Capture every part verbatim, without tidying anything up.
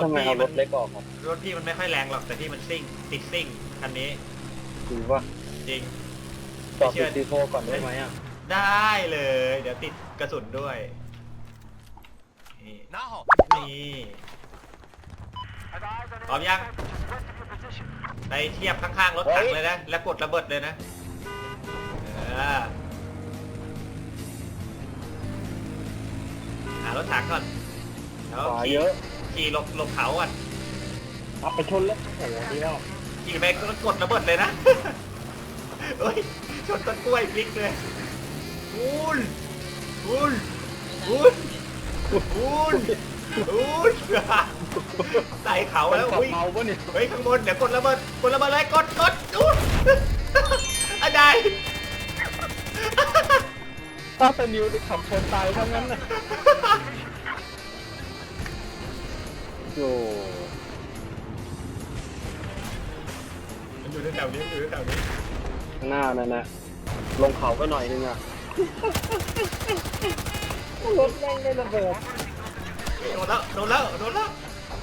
ทำไมเอารถเล็กออกครับรถพี่มันไม่ค่อยแรงหรอกแต่ที่มันซิ่งติดซิ่งคันนี้จริงว่าจริงต่อติดซีโฟก่อนได้ไหมอ่ะได้เลย เดี๋ยวติดกระสุนด้วยนี่นี่พร้อมยังไปเทียบข้างๆรถถังเลยนะแล้วกดระเบิดเลยนะเออหารถถังก่อนแล้วขวาขี่เยอะขี่หลบหลบเขาก่อนเอาไปชนแล้วโอ้โหดีแล้วขี่ไปก็กดระเบิดเลยนะ เฮ้ยชนต้นกล้วยพลิกเลยอุนอุนอุนอุนอุนใส่เขาแล้วขับอุ้ยเมาปะเนี่ยเฮ้ยข้างบนเดี๋ยวกดระเบิดกดระเบิดเลยกดกดอุนอะไรถ้าเป็นนิวจะขับชนตายทั้งนั้นนะโอ้มันอยู่แถวนี้มันอยู่แถวนี้หน้านั่นนะลงเขาก็หน่อยนึงอ่ะรถแม่งได้ระเบิดโดนแล้วโดนแล้วโดนแล้ว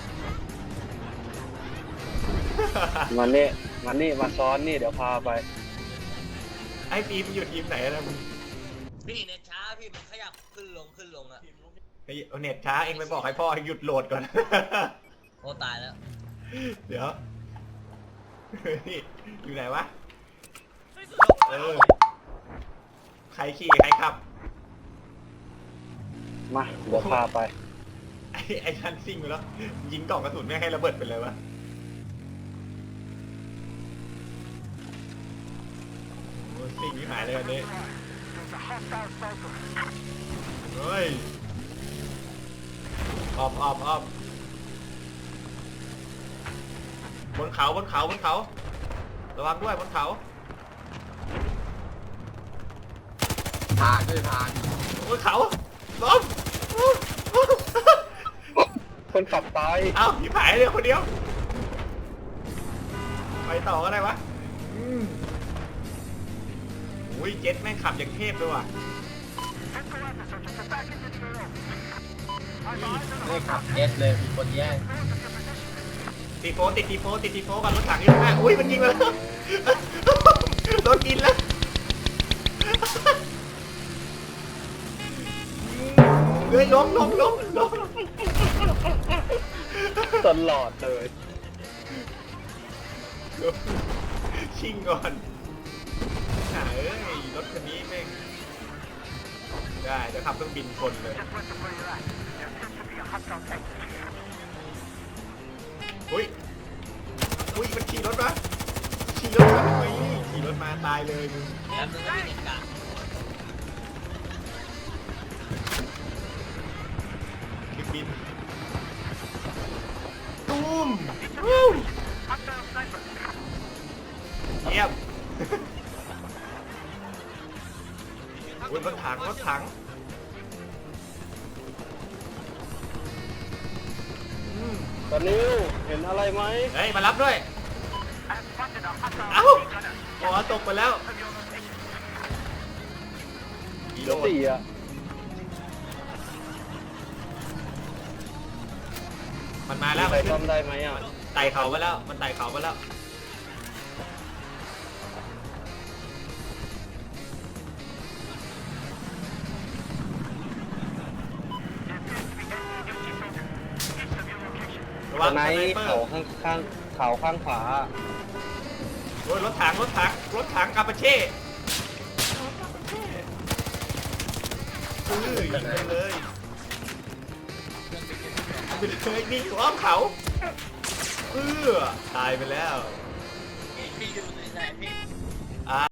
มันนี่มันนี่มาซ้อนนี่เดี๋ยวพาไปไอ้ฟิล์มอยู่ทีมไหนนะมึงพี่เน็ตช้าพี่มันขยับขึ้นลงขึ้นลงอะไอ้เน็ตช้าเองไปบอกให้พ่อให้หยุดโหลดก่อนโอ้ตายแล้วเดี๋ยวนี่อยู่ไหนวะเออใครขี่ใครขับมาเดี๋ยวพาไปไอ้ไอ้ท่านซิ่งไปแล้วยิงกล่องกระสุนไม่ให้ระเบิดไปเลยวะโอ้ซิ่งที่หายเลยอันนี้เฮ้ยออบออบออบบนเขาบนเขาบนเขาระวังด้วยบนเขาผ่านด้วยผ่านบนเขาล้มคนขับตายเอ้าพี่ผายเดียวคนเดียวไปต่อก็ได้วะอืมอุ้ยเจ็ตแม่งขับอย่างเทพเลยว่ะไม่ขับเอสเลยมีคนแย่งตีโฟติดตีโฟติดตีโฟกับรถถังอยู่ข้างหน้าอุ้ยมันยิงมาแล้วโดนกินแล้วเฮ้ยล้มล้มล้มล้มตลอดเลยชิงก่อนหาเอ้ยรถคันนี้แม่งได้เดี๋ยวขับเครื่องบินชนเลยอุ้ยอุ้ยมันขี่รถมาขี่รถมาทำไมขี่รถมาตายเลยมึงแล้วมึงก็มีเน็ตกลางเครื่องบินตูมวู้เยี่ยมอุ้ยรถถังรถถังอืมตอนนี้เห็นอะไรไหมเฮ้ยมารับด้วย เอ้าหัวตกไปแล้วกิโลสี่อ่ะมันมาแล้วใครมันขึ้นทำได้ไหมอ่ะไต่เขาไปแล้ว มันไต่เขาไปแล้วระวัตงอนไหนสไนเปอเขาร์ข้างข้างเขาข้างขวาโอ้ยรถถังรถถังรถถังกาปาเช่เออยิงไปเลยไปเลยนี่อ้อมเขาเออตายไปแล้วพี่ดูในไหนพี่